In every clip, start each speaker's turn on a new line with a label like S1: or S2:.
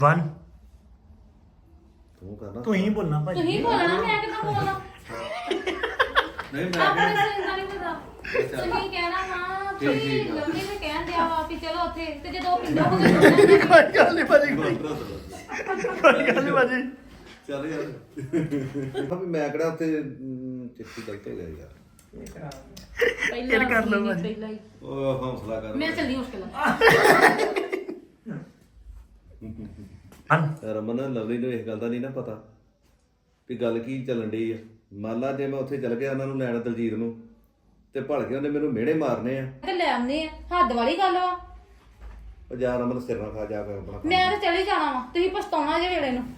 S1: 1
S2: ਤੂੰ ਕਰਨਾ
S1: ਤੂੰ ਹੀ ਬੋਲਣਾ ਭਾਜੀ
S3: ਤੁਸੀਂ ਬੋਲਣਾ ਮੈਂ ਕਿਦਾਂ ਬੋਲਾਂ
S2: ਨਹੀਂ
S3: ਆਪਣੇ
S2: ਮੈਂ
S3: ਸਿੰਦਾ ਨਹੀਂ ਪਤਾ ਤੁਸੀਂ ਕਹਿਣਾ ਹਾਂ ਤੁਸੀਂ ਲੰਮੀ ਨੇ ਕਹਿਣ ਦਿਆ ਵਾ ਵੀ ਚਲੋ ਉੱਥੇ ਤੇ ਜਦੋਂ ਪਿੰਡੋਂ ਹੋ ਗਏ
S1: ਕੋਈ ਗੱਲ ਨਹੀਂ ਭਾਜੀ ਕੋਈ ਗੱਲ ਨਹੀਂ ਭਾਜੀ
S2: ਚੱਲ ਯਾਰ ਵੀ ਮੈਂ ਕਿਹੜਾ ਉੱਥੇ ਚਿੱਠੀ ਗਲਤ ਹੋ ਗਿਆ ਯਾਰ
S3: ਪਹਿਲਾਂ
S1: ਕਰ ਲਓ
S3: ਤੁਸੀਂ
S1: ਭਾਜੀ।
S3: ਪਹਿਲਾਂ ਹੀ
S2: ਉਹ ਹੌਸਲਾ ਕਰ
S3: ਮੈਂ ਚੱਲਦੀ ਮੁਸ਼ਕਿਲ
S1: 1
S2: ਰਮਨ ਲਵਲੀ ਨੂੰ ਇਸ ਗੱਲ ਦਾ ਨਹੀਂ ਨਾ ਪਤਾ ਵੀ ਗੱਲ ਕੀ ਚੱਲਣ ਡਈ ਆ ਮੰਨ ਲਾ ਜੇ ਮੈਂ ਉੱਥੇ ਚੱਲ ਗਿਆ ਉਹਨਾਂ ਨੂੰ ਲੈਣ ਦਲਜੀਤ ਨੂੰ ਤੇ ਭੜ ਕੇ ਉਹਨੇ ਮੈਨੂੰ ਮਿਹਣੇ ਮਾਰਨੇ ਆ
S3: ਤੇ ਲੈ ਆਉਂਦੇ ਆ ਹੱਦ ਵਾਲੀ ਗੱਲ ਵਾ
S2: ਉਹ ਜਾ ਰਮਨ ਸਿਰ ਨਾ ਖਾ ਜਾ ਕੇ ਆਪਣਾ ਕੰਮ।
S3: ਮੈਂ ਤਾਂ ਚਲੀ ਜਾਣਾ ਵਾ ਤੁਸੀਂ ਪਛਤਾਉਣਾ ਜੇ ਵੇਲੇ ਨੂੰ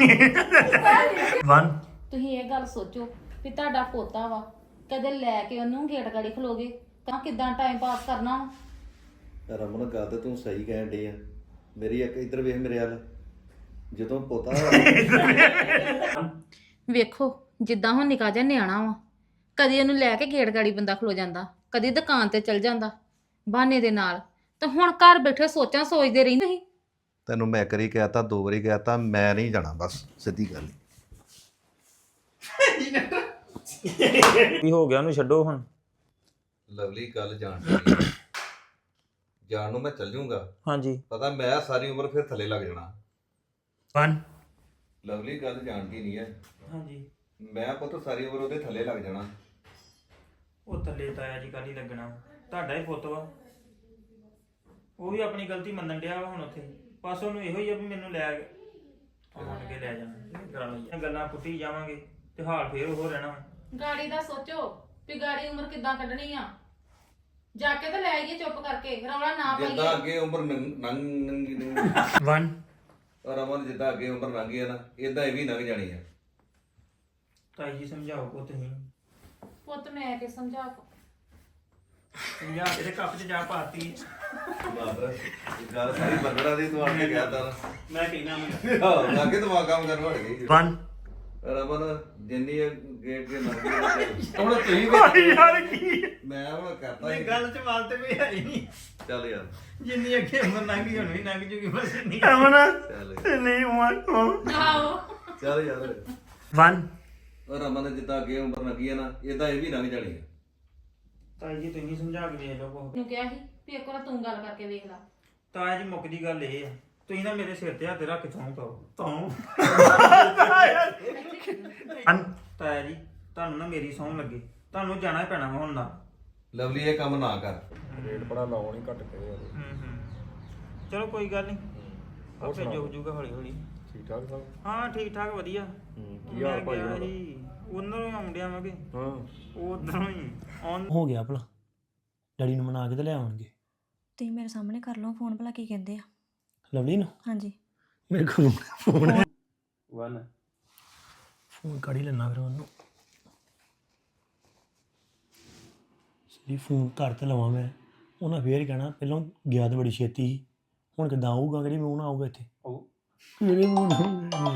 S1: 1
S3: ਤੁਸੀਂ ਇਹ ਗੱਲ ਸੋਚੋ ਵੀ ਤੁਹਾਡਾ ਪੋਤਾ ਵਾ ਕਦੇ ਲੈ ਕੇ ਉਹਨੂੰ ਗੇਟ ਗਾੜੀ ਖਲੋਗੇ ਤਾਂ ਕਿਦਾਂ ਟਾਈਮ ਪਾਸ ਕਰਨਾ ਵਾ
S2: ਰਮਨ ਗੱਲ ਤੇ ਤੂੰ ਸਹੀ ਕਹਿਣ ਡਈ ਆ ਮੇਰੀ ਇੱਕ ਇੱਧਰ ਵੇਖ ਮੇਰੇ ਵੱਲ ਜਦੋਂ ਪੋਤਾ
S3: ਵੇਖੋ ਜਿੱਦਾਂ ਹੁਣ ਨਿਕਾ ਜਿਹਾ ਨਿਆਣਾ ਵਾ ਕਦੀ ਉਹਨੂੰ ਲੈ ਕੇ ਗੇਟ ਗਾੜੀ ਬੰਦਾ ਖਲੋ ਜਾਂਦਾ ਕਦੀ ਦੁਕਾਨ ਤੇ ਚਲ ਜਾਂਦਾ ਬਹਾਨੇ ਦੇ ਨਾਲ ਤਾਂ ਹੁਣ ਘਰ ਬੈਠੇ ਸੋਚਾਂ ਸੋਚਦੇ ਰਹਿੰਦੇ ਸੀ
S2: ਤੈਨੂੰ ਮੈਂ ਕਰੀ ਕਹਿਤਾ 2 ਵਾਰੀ ਕਹਿਤਾ ਮੈਂ ਨਹੀਂ ਜਾਣਾ ਬਸ ਸਿੱਧੀ ਗੱਲ
S4: ਕੀ ਹੋ ਗਿਆ ਉਹਨੂੰ ਛੱਡੋ ਹੁਣ
S2: ਲਵਲੀ ਗੱਲ ਜਾਣ ਨੂੰ ਮੈਂ ਚੱਲ ਜਾਊਂਗਾ
S4: ਹਾਂਜੀ
S2: ਪਤਾ ਮੈਂ ਸਾਰੀ ਉਮਰ ਫਿਰ ਥੱਲੇ ਲੱਗ ਜਾਣਾ
S1: 1
S2: ਲਵਲੀ ਗੱਲ ਜਾਣਦੀ ਨਹੀਂ ਹੈ
S4: ਹਾਂਜੀ
S2: ਮੈਂ ਪੁੱਤ ਸਾਰੀ ਉਮਰ ਉਹਦੇ ਥੱਲੇ ਲੱਗ ਜਾਣਾ
S4: ਉਹ ਥੱਲੇ ਤਾਇਆ ਜੀ ਕੱਲ ਹੀ ਲੱਗਣਾ ਤੁਹਾਡਾ ਹੀ ਪੁੱਤ ਵਾ ਉਹ ਵੀ ਆਪਣੀ ਗਲਤੀ ਮੰਨਣ ਡਿਆ ਵਾ ਹੁਣ ਉੱਥੇ ਬਸ ਉਹਨੂੰ ਇਹੋ ਹੀ ਆ ਵੀ ਮੈਨੂੰ ਲੈ ਆਣ ਕੇ ਲੈ ਜਾਣਾ ਗੱਲਾਂ ਪੁੱਟੀ ਜਾਵਾਂਗੇ ਤੇ ਹਾਲ ਫੇਰ ਉਹ ਰਹਿਣਾ ਵਾ।
S3: ਗਾੜੀ ਦਾ ਸੋਚੋ ਵੀ ਗਾੜੀ ਉਮਰ ਕਿੱਦਾਂ ਕੱਢਣੀ ਆ ਜਾ ਕੇ ਤਾਂ ਲੈ ਆਈਏ ਚੁੱਪ ਕਰਕੇ ਰੌਲਾ ਨਾ
S2: ਜਿੱਦਾਂ
S3: ਪਾਈਏ
S2: ਅੱਗੇ ਉਮਰ ਨੰਗੀ
S1: 1
S2: ਰਮਨ ਜਿੱਦਾਂ ਅੱਗੇ ਉਮਰ ਲੰਘੀ ਆ ਨਾ ਇਦਾਂ ਇਹ ਵੀ ਲੰਘ ਜਾਣੀ ਆ
S4: ਤਾਈ ਜੀ ਸਮਝਾਓ ਕੋ ਤੁਸੀਂ
S3: ਪੁੱਤ ਮੈਂ ਕਿ ਸਮਝਾ
S4: ਸਮਝਾ ਕੇ ਤੇ ਕੱਪ 'ਚ ਜਾ ਪਾਤੀ
S2: ਬਾਬਰ ਗੱਲ ਸਾਰੀ ਬੰਦੜਾ ਦੀ ਤੂੰ ਆ ਕੇ ਕਹਿਤਾ ਨਾ
S4: ਮੈਂ ਕਹਿਣਾ ਮੈਂ
S2: ਹਾਂ ਲਾਗੇ ਦਿਮਾਗ ਕੰਮ ਕਰਨ ਵੜ ਗਈ
S1: 1
S2: ਰਮਨ ਜਿੰਨੀ ਗੇਟ ਦੇ ਲੰਘੀ ਹੁਣ ਤੁਸੀਂ ਵੀ
S1: ਯਾਰ ਕੀ
S2: ਮੈਂ ਉਹ ਕਰਤਾ
S4: ਨਹੀਂ ਗੱਲ 'ਚ ਵਾਲ ਤੇ ਕੋਈ ਹੈ ਹੀ ਨਹੀਂ
S2: ਚੱਲ ਯਾਰ
S4: ਜਿੰਨੀ ਅੱਗੇ ਉਮਰ ਲੰਘੀ ਹੁਣ ਵੀ ਲੰਘ ਜੂਗੀ ਬਸ ਨਹੀਂ
S1: ਅਮਨ
S2: ਚੱਲ
S1: ਨਹੀਂ 1
S3: ਆਓ
S2: ਚੱਲ ਯਾਰ
S1: 1
S2: ਰਮਨ ਜਿੱਦਾਂ ਅੱਗੇ ਉਮਰ ਲੰਘੀ ਆ ਨਾ ਇਦਾਂ ਇਹ ਵੀ ਲੰਘ ਜਾਣੀ ਆ
S4: ਤਾਈ ਜੀ ਤੁਸੀਂ ਸਮਝਾ ਕੇ ਵੇਖ ਲਓ ਕੋ
S3: ਨੂੰ ਕਿਹਾ ਸੀ ਵੀ ਇੱਕ ਵਾਰ ਤੂੰ ਗੱਲ ਕਰਕੇ ਵੇਖ ਲੈ
S4: ਤਾਇਆ ਜੀ ਮੁੱਕਦੀ ਗੱਲ ਇਹ ਆ ਤੁਸੀਂ ਨਾ ਮੇਰੇ ਸਿਰ ਤੇ ਹੱਥ ਰੱਖ ਥੋਂ ਪਾਓ ਤਾਇਆ ਜੀ ਤੁਹਾਨੂੰ ਨਾ ਮੇਰੀ ਸੌਂ ਲੱਗੇ ਤੁਹਾਨੂੰ ਜਾਣਾ ਹੀ ਪੈਣਾ ਵਾ ਹੁਣ ਨਾ
S2: ਲਵਲੀ ਇਹ ਕੰਮ ਨਾ ਕਰ
S4: ਚਲੋ ਕੋਈ ਗੱਲ ਨਹੀਂ ਆਪੇ ਜੋ ਜੂਗਾ ਹੌਲੀ ਹੌਲੀ
S2: ਠੀਕ ਠਾਕ ਸਭ
S4: ਹਾਂ ਠੀਕ ਠਾਕ ਵਧੀਆ ਕੀ ਹਾਲ ਭਾਈ ਜੀ ਉਹਨਾਂ ਨੂੰ ਆਉਂਦਿਆਂ ਵਾਂਗੇ
S2: ਹਾਂ
S4: ਉਹ ਉਧਰੋਂ ਹੀ ਆਉਣ
S1: ਹੋ ਗਿਆ ਭਲਾ ਡੈਡੀ ਨੂੰ ਮਨਾ ਕੇ ਤੇ ਲੈ ਆਉਣਗੇ
S5: ਤੁਸੀਂ ਮੇਰੇ ਸਾਹਮਣੇ ਕਰ ਲਓ ਫੋਨ ਭਲਾ ਕੀ ਕਹਿੰਦੇ ਆ
S1: ਲਵਲੀ ਨੂੰ
S5: ਹਾਂਜੀ
S1: ਮੇਰੇ ਕੋਲ ਫੋਨ ਹੈ
S4: 1
S1: ਫੋਨ ਕੱਢ ਹੀ ਲੈਣਾ ਫਿਰ ਉਹਨੂੰ ਸਰੀ ਫੋਨ ਘਰ ਤੇ ਲਵਾਂ ਮੈਂ ਉਹਨਾਂ ਫੇਰ ਕਹਿਣਾ ਪਹਿਲਾਂ ਗਿਆ ਤਾਂ ਬੜੀ ਛੇਤੀ ਸੀ ਹੁਣ ਕਿੱਦਾਂ ਆਊਗਾ ਕਿਹੜੀ ਮੂੰਹ ਨਾਲ ਆਊਗਾ ਇੱਥੇ ਮੇਰੇ ਮੂੰਹ ਨਾਲ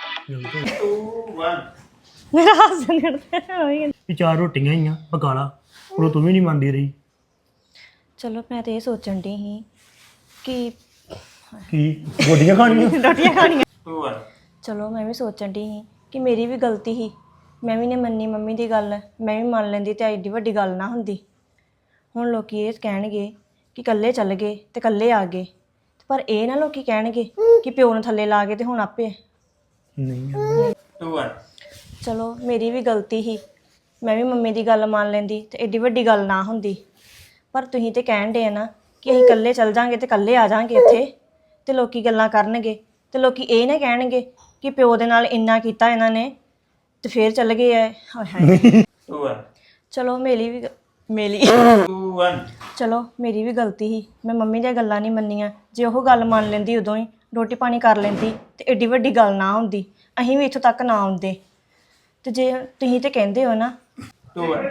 S4: 2 1
S5: ਮੇਰਾ ਹੱਸ ਨਿਕਲਦਾ ਹੋਈ
S1: ਵੀ 4 ਰੋਟੀਆਂ ਹੀ ਆ ਪਕਾ ਲਾ ਉਹ ਤੂੰ ਵੀ ਨਹੀਂ ਮੰਨਦੀ ਰਹੀ
S5: ਚਲੋ ਮੈਂ ਤੇ ਇਹ ਸੋਚਣ ਦੀ ਸੀ ਕਿ
S1: ਕੀ ਗੋਡੀਆਂ ਖਾਣੀਆਂ
S5: ਰੋਟੀਆਂ ਖਾਣੀਆਂ
S4: 2 1
S5: ਚਲੋ ਮੈਂ ਵੀ ਸੋਚਣ ਦੀ ਸੀ ਕਿ ਮੇਰੀ ਵੀ ਗਲਤੀ ਸੀ ਮੈਂ ਵੀ ਨੇ ਮੰਨੀ ਮੰਮੀ ਦੀ ਗੱਲ ਮੈਂ ਵੀ ਮੰਨ ਲੈਂਦੀ ਤੇ ਐਡੀ ਵੱਡੀ ਗੱਲ ਨਾ ਹੁੰਦੀ ਹੁਣ ਲੋਕੀ ਇਹ ਕਹਿਣਗੇ ਕਿ ਇਕੱਲੇ ਚੱਲ ਗਏ ਤੇ ਇਕੱਲੇ ਆ ਗਏ ਪਰ ਇਹ ਨਾ ਲੋਕੀ ਕਹਿਣਗੇ ਕਿ ਪਿਓ ਨੂੰ ਥੱਲੇ ਲਾ ਕੇ ਤੇ ਹੁਣ ਆਪੇ
S1: ਨਹੀਂ
S4: 2 1
S5: ਚਲੋ ਮੇਰੀ ਵੀ ਗਲਤੀ ਸੀ ਮੈਂ ਵੀ ਮੰਮੀ ਦੀ ਗੱਲ ਮੰਨ ਲੈਂਦੀ ਤੇ ਐਡੀ ਵੱਡੀ ਗੱਲ ਨਾ ਹੁੰਦੀ ਪਰ ਤੁਸੀਂ ਤੇ ਕਹਿਣ ਦੇ ਨਾ ਕਿ ਅਸੀਂ ਇਕੱਲੇ ਚੱਲ ਜਾਾਂਗੇ ਤੇ ਇਕੱਲੇ ਆ ਜਾਾਂਗੇ ਇੱਥੇ ਤੇ ਲੋਕੀ ਗੱਲਾਂ ਕਰਨਗੇ ਤੇ ਲੋਕੀ ਇਹ ਨਾ ਕਹਿਣਗੇ ਕਿ ਪਿਓ ਦੇ ਨਾਲ ਇੰਨਾ ਕੀਤਾ ਇਹਨਾਂ ਨੇ ਤੇ ਫੇਰ ਚੱਲ ਗਏ ਐ ਹਾਏ ਹਾਏ
S4: 2 1
S5: ਚਲੋ ਮੇਰੀ
S4: 2 1
S5: ਚਲੋ ਮੇਰੀ ਵੀ ਗਲਤੀ ਸੀ ਮੈਂ ਮੰਮੀ ਦੀਆਂ ਗੱਲਾਂ ਨਹੀਂ ਮੰਨੀਆਂ ਜੇ ਉਹ ਗੱਲ ਮੰਨ ਲੈਂਦੀ ਉਦੋਂ ਹੀ ਰੋਟੀ ਪਾਣੀ ਕਰ ਲੈਂਦੀ ਤੇ ਐਡੀ ਵੱਡੀ ਗੱਲ ਨਾ ਹੁੰਦੀ ਅਸੀਂ ਵੀ ਇੱਥੋਂ ਤੱਕ ਨਾ ਆਉਂਦੇ ਤੇ ਜੇ ਤੁਸੀਂ ਤੇ ਕਹਿੰਦੇ ਹੋ ਨਾ
S4: 2 1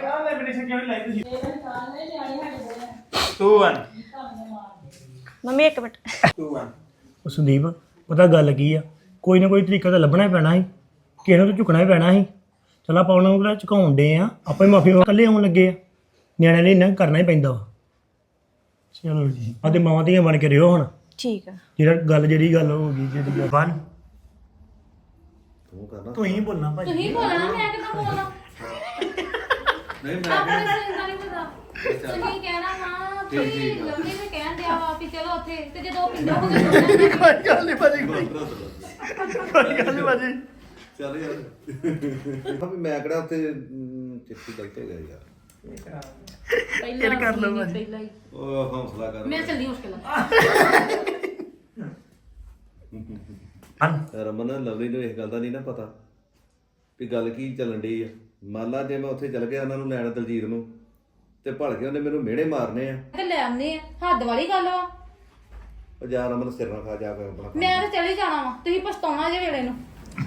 S4: 2 1
S5: ਮੰਮੀ ਇੱਕ ਮਿੰਟ
S4: 2 1
S1: ਉਹ ਸੰਦੀਪ ਪਤਾ ਗੱਲ ਕੀ ਆ ਕੋਈ ਨਾ ਕੋਈ ਤਰੀਕਾ ਤਾਂ ਲੱਭਣਾ ਹੀ ਪੈਣਾ ਸੀ ਕਿਸੇ ਨੂੰ ਤਾਂ ਝੁਕਣਾ ਹੀ ਪੈਣਾ ਸੀ ਚਲ ਆਪਾਂ ਉਹਨਾਂ ਨੂੰ ਝੁਕਾਉਣ ਡੇ ਆ ਆਪਾਂ ਹੀ ਮਾਫੀ ਇਕੱਲੇ ਆਉਣ ਲੱਗੇ ਆ ਨਿਆਣਿਆਂ ਲਈ ਇੰਨਾ ਕਰਨਾ ਹੀ ਪੈਂਦਾ ਵਾ ਚਲੋ ਜੀ ਆਦੇ ਮਾਵਾਂ ਧੀਆਂ ਬਣ ਕੇ ਰਿਓ ਹੁਣ
S5: ਠੀਕ ਆ।
S1: ਜਿਹੜੀ ਗੱਲ ਹੋ ਗਈ ਜਿਹੜੀ ਗੱਲ 1
S2: ਤੂੰ ਕਰਨਾ
S1: ਤੂੰ ਹੀ ਬੋਲਣਾ ਭਾਜੀ
S3: ਤੁਸੀਂ ਬੋਲਣਾ ਮੈਂ ਕਿੱਦਾਂ ਬੋਲਾਂ
S2: ਨਹੀਂ
S3: ਆਪਣੇ
S2: ਮੈਂ
S3: ਨਾਲ ਇੰਨਾ ਨਹੀਂ ਪਤਾ ਤੁਸੀਂ ਕਹਿਣਾ ਹਾਂ ਤੁਸੀਂ ਲੰਮੀ ਨੇ ਕਹਿਣ ਦਿਆ ਵਾ ਵੀ ਚਲੋ ਉੱਥੇ ਤੇ ਜਦੋਂ ਪਿੰਡੋਂ ਹੋ ਗਏ
S1: ਕੋਈ ਗੱਲ ਨਹੀਂ ਭਾਜੀ ਕੋਈ ਗੱਲ ਨਹੀਂ ਭਾਜੀ
S2: ਚੱਲ ਯਾਰ ਵੀ ਮੈਂ ਕਿਹੜਾ ਉੱਥੇ ਚਿੱਠੀ ਗਲਤ ਹੋ ਗਿਆ ਯਾਰ
S3: ਪਹਿਲਾਂ
S1: ਕਰ ਲਓ
S3: ਨਹੀਂ,
S1: ਭਾਜੀ।
S3: ਪਹਿਲਾਂ ਹੀ
S2: ਉਹ ਹੌਸਲਾ ਕਰ
S3: ਮੈਂ ਚੱਲਦੀ ਮੁਸ਼ਕਿਲ
S2: ਰਮਨ ਲਵਲੀ ਨੂੰ ਇਸ ਗੱਲ ਦਾ ਨਹੀਂ ਨਾ ਪਤਾ ਵੀ ਗੱਲ ਕੀ ਚੱਲਣ ਡਈ ਆ। ਮੰਨ ਲਾ ਜੇ ਮੈਂ ਉੱਥੇ ਚੱਲ ਗਿਆ ਉਹਨਾਂ ਨੂੰ ਲੈਣ ਦਲਜੀਤ ਨੂੰ ਤੇ ਭੜ ਕੇ ਉਹਨੇ ਮੈਨੂੰ ਮਿਹਣੇ ਮਾਰਨੇ ਆ।
S3: ਤੇ ਲੈ ਆਉਂਦੇ ਆ ਹੱਦ ਵਾਲੀ ਗੱਲ ਵਾ
S2: ਉਹ ਜਾ ਰਮਨ ਸਿਰ ਨਾ ਖਾ ਜਾ ਕੇ ਆਪਣਾ ਕੰਮ।
S3: ਮੈਂ ਤਾਂ ਚਲੀ ਜਾਣਾ ਵਾ ਤੁਸੀਂ ਪਛਤਾਉਣਾ ਜੇ ਵੇਲੇ ਨੂੰ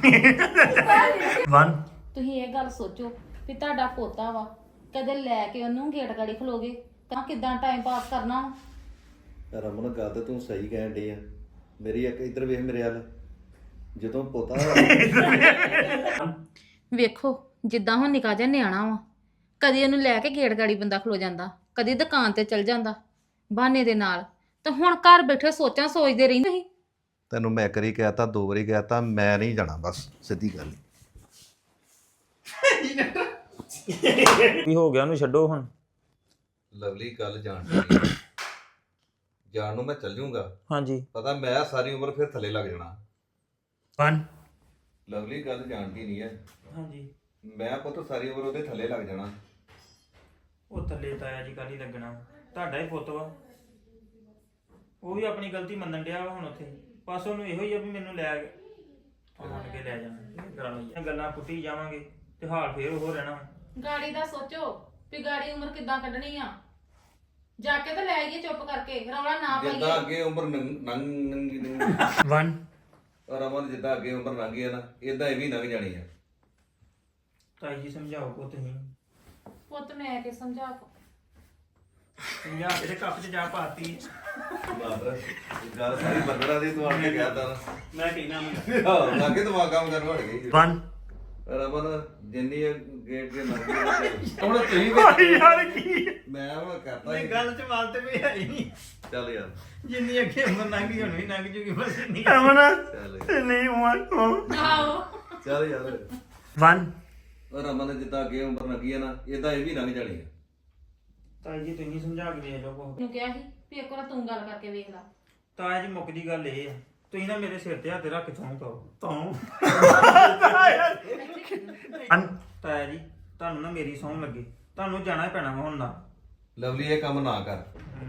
S1: 1
S3: ਤੁਸੀਂ ਇਹ ਗੱਲ ਸੋਚੋ ਵੀ ਤੁਹਾਡਾ ਪੋਤਾ ਵਾ ਕਦੇ ਲੈ ਕੇ ਉਹਨੂੰ ਗੇਟ ਗਾੜੀ ਖਲੋਗੇ ਤਾਂ ਕਿੱਦਾਂ ਟਾਈਮ ਪਾਸ ਕਰਨਾ ਵਾ
S2: ਰਮਨ ਗੱਲ ਤੇ ਤੂੰ ਸਹੀ ਕਹਿਣ ਡਈ ਆ। ਮੇਰੀ ਇੱਕ ਇੱਧਰ ਵੇਖ ਮੇਰੇ ਵੱਲ ਜਦੋਂ ਪੋਤਾ
S3: ਵੇਖੋ ਜਿੱਦਾਂ ਹੁਣ ਨਿੱਕਾ ਜਿਹਾ ਨਿਆਣਾ ਵਾ ਕਦੀ ਉਹਨੂੰ ਲੈ ਕੇ ਗੇਟ ਗਾੜੀ ਬੰਦਾ ਖਲੋ ਜਾਂਦਾ ਕਦੀ ਦੁਕਾਨ ਤੇ ਚਲ ਜਾਂਦਾ ਬਹਾਨੇ ਦੇ ਨਾਲ ਤੇ ਹੁਣ ਘਰ ਬੈਠੇ ਸੋਚਾਂ ਸੋਚਦੇ ਰਹਿੰਦੇ ਸੀ
S2: ਤੈਨੂੰ ਮੈਂ ਕਰੀ ਕਹਿਤਾ 2 ਵਾਰੀ ਕਹਿਤਾ ਮੈਂ ਨਹੀਂ ਜਾਣਾ ਬਸ ਸਿੱਧੀ ਗੱਲ
S4: ਕੀ ਹੋ ਗਿਆ ਉਹਨੂੰ ਛੱਡੋ ਹੁਣ
S2: ਲਵਲੀ ਗੱਲ ਜਾਣ ਨੂੰ ਮੈਂ ਚੱਲ ਜੂੰਗਾ
S4: ਹਾਂਜੀ
S2: ਪਤਾ ਮੈਂ ਸਾਰੀ ਉਮਰ ਫਿਰ ਥੱਲੇ ਲੱਗ ਜਾਣਾ
S1: 1
S2: ਲਵਲੀ ਗੱਲ ਜਾਣਦੀ ਨਹੀਂ ਹੈ
S4: ਹਾਂਜੀ
S2: ਮੈਂ ਪੁੱਤ ਸਾਰੀ ਉਮਰ ਉਹਦੇ ਥੱਲੇ ਲੱਗ ਜਾਣਾ
S4: ਉਹ ਥੱਲੇ ਤਾਇਆ ਜੀ ਕੱਲ ਹੀ ਲੱਗਣਾ ਤੁਹਾਡਾ ਹੀ ਪੁੱਤ ਵਾ ਉਹ ਵੀ ਆਪਣੀ ਗਲਤੀ ਮੰਨਣ ਡਿਆ ਵਾ ਹੁਣ ਉੱਥੇ ਬਸ ਉਹਨੂੰ ਇਹੋ ਹੀ ਆ ਵੀ ਮੈਨੂੰ ਲੈ ਕੇ ਲੈ ਜਾਣਾ ਗੱਲਾਂ ਪੁੱਟੀ ਜਾਵਾਂਗੇ ਤੇ ਹਾਲ ਫੇਰ ਉਹ ਰਹਿਣਾ
S3: ਗਾੜੀ ਦਾ ਸੋਚੋ ਵੀ ਗਾੜੀ ਉਮਰ ਕਿੱਦਾਂ ਕੱਢਣੀ ਆ ਜਾ ਕੇ ਤਾਂ ਲੈ ਆਈਏ ਚੁੱਪ ਕਰਕੇ ਰੌਲਾ ਨਾ
S2: ਜਿੱਦਾਂ
S3: ਪਾਈਏ
S2: ਅੱਗੇ ਉਮਰ ਨੰਗੀ
S1: 1
S2: ਰਮਨ ਜਿੱਦਾਂ ਅੱਗੇ ਉਮਰ ਲੰਘੀ ਆ ਨਾ ਇਦਾਂ ਇਹ ਵੀ ਲੰਘ ਜਾਣੀ ਆ
S4: ਤਾਈ ਜੀ ਸਮਝਾਓ ਕੋ ਤੁਸੀਂ
S3: ਪੁੱਤ ਮੈਂ ਕਿ ਸਮਝਾ
S4: ਸਮਝਾ ਕੇ ਤੇ ਕੱਪ 'ਚ ਜਾ ਪਾਤੀ
S2: ਬਾਦਰ ਗੱਲ ਸਾਰੀ ਬੰਦਰਾ ਦੀ ਤੂੰ ਆ ਕੇ ਕਹਿ ਤਾ
S4: ਮੈਂ ਕਹਿਣਾ ਮੈਂ
S2: ਲਾਗੇ ਦਿਮਾਗ ਕੰਮ ਕਰਨ ਵੜ ਗਈ
S1: 1
S2: ਰਮਨ ਜਿੰਨੀ ਗੇਟ ਦੇ ਲੰਘੀ ਹੁਣ ਤੁਸੀਂ
S1: ਯਾਰ ਕੀ
S2: ਮੈਂ ਉਹ ਕਰਤਾ
S4: ਨਹੀਂ ਗੱਲ 'ਚ ਮਾਲ ਤੇ ਵੀ ਹੈ ਹੀ ਨਹੀਂ
S2: ਚੱਲ ਯਾਰ
S4: ਜਿੰਨੀ ਅੱਗੇ ਉਮਰ ਲੰਘ ਗਈ ਹੁਣ ਵੀ ਲੰਘ ਜੂਗੀ ਬਸ ਇੰਨੀ
S1: ਅਮਨ
S2: ਚੱਲ ਯਾਰ
S1: ਨਹੀਂ 1
S3: ਆਓ
S2: ਚੱਲ ਯਾਰ
S1: 1
S2: ਰਮਨ ਜਿੱਦਾਂ ਅੱਗੇ ਉਮਰ ਲੰਘੀ ਆ ਨਾ ਇਦਾਂ ਇਹ ਵੀ ਲੰਘ ਜਾਣੀ ਆ
S4: ਤਾਈ ਜੀ ਤੁਸੀਂ ਸਮਝਾ ਕੇ ਵੇਖ ਲਓ ਕੋ
S3: ਨੂੰ ਕਿਹਾ ਸੀ ਵੀ ਇੱਕ ਵਾਰ ਤੂੰ ਗੱਲ ਕਰਕੇ ਵੇਖ ਲੈ
S4: ਤਾਇਆ ਜੀ ਮੁੱਕਦੀ ਗੱਲ ਇਹ ਆ ਤੁਸੀਂ ਨਾ ਮੇਰੇ ਸਿਰ ਤੇ ਹੱਥ ਰੱਖ ਤੋਂ ਤਾਇਆ ਜੀ ਤੁਹਾਨੂੰ ਨਾ ਮੇਰੀ ਸੌਂ ਲੱਗੇ ਤੁਹਾਨੂੰ ਜਾਣਾ ਹੀ ਪੈਣਾ ਵਾ ਹੁਣ ਨਾ
S2: ਲਵਲੀ ਇਹ ਕੰਮ ਨਾ ਕਰ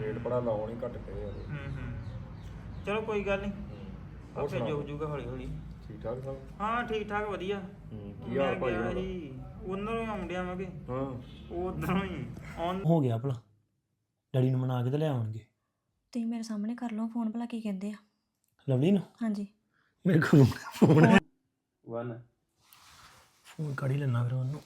S4: ਚਲੋ ਕੋਈ ਗੱਲ ਨਹੀਂ ਆਪੇ ਜੋ ਹੋ ਜਾਊਗਾ ਹੌਲੀ ਹੌਲੀ
S6: ਠੀਕ ਠਾਕ ਸਭ
S4: ਹਾਂ ਠੀਕ ਠਾਕ ਵਧੀਆ
S6: ਕੀ ਹਾਲ ਭਾਈ
S4: ਮੈਂ ਗਿਆ ਜੀ ਉਧਰੋਂ ਹੀ ਆਉਂਦਿਆਂ ਵਾਂਗੇ
S6: ਹਾਂ
S4: ਉਧਰੋਂ ਹੀ ਆਉਣ
S1: ਹੋ ਗਿਆ ਭਲਾ ਡੈਡੀ ਨੂੰ ਮਨਾ ਕੇ ਤੇ ਲੈ ਆਉਣਗੇ
S5: ਤੁਸੀਂ ਮੇਰੇ ਸਾਹਮਣੇ ਕਰ ਲਓ ਫੋਨ ਭਲਾ ਕੀ ਕਹਿੰਦੇ ਆ
S1: ਲਵਲੀ ਨੂੰ
S5: ਹਾਂਜੀ
S1: ਮੇਰੇ ਕੋਲ ਫੋਨ ਹੈ
S4: 1
S1: ਫੋਨ ਕੱਢ ਹੀ ਲੈਣਾ ਫਿਰ ਉਹਨੂੰ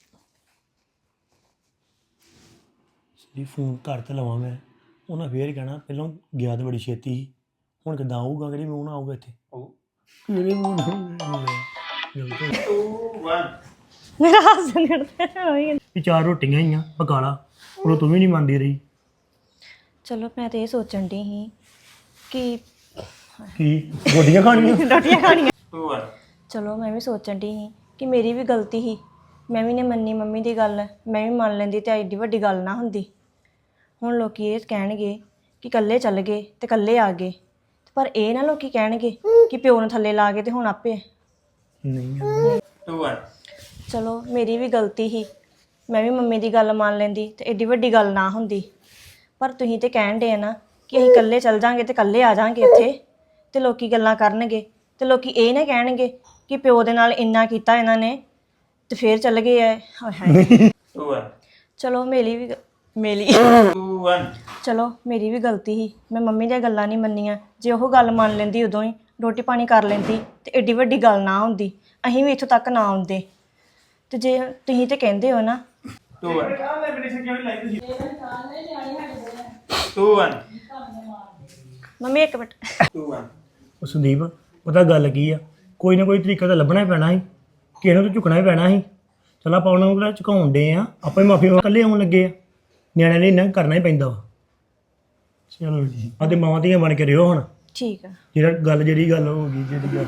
S1: ਸਰੀ ਫੋਨ ਘਰ ਤੇ ਲਵਾਂ ਮੈਂ ਉਹਨਾਂ ਫੇਰ ਕਹਿਣਾ ਪਹਿਲਾਂ ਗਿਆ ਤਾਂ ਬੜੀ ਛੇਤੀ ਸੀ ਹੁਣ ਕਿੱਦਾਂ ਆਊਗਾ ਕਿਹੜੀ ਮੂੰਹ ਨਾਲ ਆਊਗਾ ਇੱਥੇ ਕਿਹੜੇ ਮੂੰਹ ਨਾਲ
S4: 2 1
S5: ਮੇਰਾ ਹੱਸ ਨਿਕਲਦਾ ਹੋਈ
S1: ਵੀ 4 ਰੋਟੀਆਂ ਹੀ ਆ ਪਕਾ ਲਾ ਉਹ ਤੂੰ ਵੀ ਨਹੀਂ ਮੰਨਦੀ ਰਹੀ
S5: ਚਲੋ ਮੈਂ ਤੇ ਇਹ ਸੋਚਣ ਦੀ ਸੀ ਕਿ
S1: ਕੀ ਗੋਡੀਆਂ ਖਾਣੀਆਂ
S5: ਰੋਟੀਆਂ ਖਾਣੀਆਂ
S4: 2 1
S5: ਚਲੋ ਮੈਂ ਵੀ ਸੋਚਣ ਦੀ ਸੀ ਕਿ ਮੇਰੀ ਵੀ ਗਲਤੀ ਸੀ ਮੈਂ ਵੀ ਨੇ ਮੰਨੀ ਮੰਮੀ ਦੀ ਗੱਲ ਮੈਂ ਵੀ ਮੰਨ ਲੈਂਦੀ ਤੇ ਐਡੀ ਵੱਡੀ ਗੱਲ ਨਾ ਹੁੰਦੀ ਹੁਣ ਲੋਕੀ ਇਹ ਕਹਿਣਗੇ ਕਿ ਇਕੱਲੇ ਚੱਲ ਗਏ ਤੇ ਇਕੱਲੇ ਆ ਗਏ ਪਰ ਇਹ ਨਾ ਲੋਕੀ ਕਹਿਣਗੇ ਕਿ ਪਿਓ ਨੂੰ ਥੱਲੇ ਲਾ ਕੇ ਤੇ ਹੁਣ ਆਪੇ
S1: ਨਹੀਂ
S4: 2 1
S5: ਚਲੋ ਮੇਰੀ ਵੀ ਗਲਤੀ ਸੀ ਮੈਂ ਵੀ ਮੰਮੀ ਦੀ ਗੱਲ ਮੰਨ ਲੈਂਦੀ ਤੇ ਐਡੀ ਵੱਡੀ ਗੱਲ ਨਾ ਹੁੰਦੀ ਪਰ ਤੁਸੀਂ ਤੇ ਕਹਿਣ ਦੇ ਨਾ ਕਿ ਅਸੀਂ ਇਕੱਲੇ ਚੱਲ ਜਾਾਂਗੇ ਤੇ ਇਕੱਲੇ ਆ ਜਾਾਂਗੇ ਇੱਥੇ ਤੇ ਲੋਕੀ ਗੱਲਾਂ ਕਰਨਗੇ ਤੇ ਲੋਕੀ ਇਹ ਨਾ ਕਹਿਣਗੇ ਕਿ ਪਿਓ ਦੇ ਨਾਲ ਇੰਨਾ ਕੀਤਾ ਇਹਨਾਂ ਨੇ ਤੇ ਫੇਰ ਚੱਲ ਗਏ ਐ ਹਾਏ ਹਾਏ
S4: 2 1
S5: ਚਲੋ ਮੇਰੀ
S4: 2 1
S5: ਚਲੋ ਮੇਰੀ ਵੀ ਗਲਤੀ ਸੀ ਮੈਂ ਮੰਮੀ ਦੀਆਂ ਗੱਲਾਂ ਨਹੀਂ ਮੰਨੀਆਂ ਜੇ ਉਹ ਗੱਲ ਮੰਨ ਲੈਂਦੀ ਉਦੋਂ ਹੀ ਰੋਟੀ ਪਾਣੀ ਕਰ ਲੈਂਦੀ ਤੇ ਐਡੀ ਵੱਡੀ ਗੱਲ ਨਾ ਹੁੰਦੀ ਅਸੀਂ ਵੀ ਇੱਥੋਂ ਤੱਕ ਨਾ ਆਉਂਦੇ ਤੇ ਜੇ ਤੁਸੀਂ ਤੇ ਕਹਿੰਦੇ ਹੋ ਨਾ
S4: 2 1 2 1
S5: ਮੰਮੀ ਇੱਕ ਮਿੰਟ
S4: 2 1
S1: ਉਹ ਸੰਦੀਪ ਪਤਾ ਗੱਲ ਕੀ ਆ ਕੋਈ ਨਾ ਕੋਈ ਤਰੀਕਾ ਤਾਂ ਲੱਭਣਾ ਹੀ ਪੈਣਾ ਸੀ ਕਿਸੇ ਨੂੰ ਤਾਂ ਝੁਕਣਾ ਹੀ ਪੈਣਾ ਸੀ ਚਲ ਆਪਾਂ ਉਹਨਾਂ ਨੂੰ ਝੁਕਾਉਣ ਡੇ ਆ ਆਪਾਂ ਹੀ ਮਾਫੀ ਇਕੱਲੇ ਆਉਣ ਲੱਗੇ ਆ ਨਿਆਣਿਆਂ ਲਈ ਇੰਨਾ ਕਰਨਾ ਹੀ ਪੈਂਦਾ ਵਾ ਚਲੋ ਜੀ ਆਦੇ ਮਾਵਾਂ ਧੀਆਂ ਬਣ ਕੇ ਰਿਓ ਹੁਣ
S5: ਠੀਕ ਆ
S1: ਜਿਹੜਾ ਗੱਲ ਜਿਹੜੀ ਗੱਲ ਹੋ ਗਈ ਜਿਹੜੀ ਗੱਲ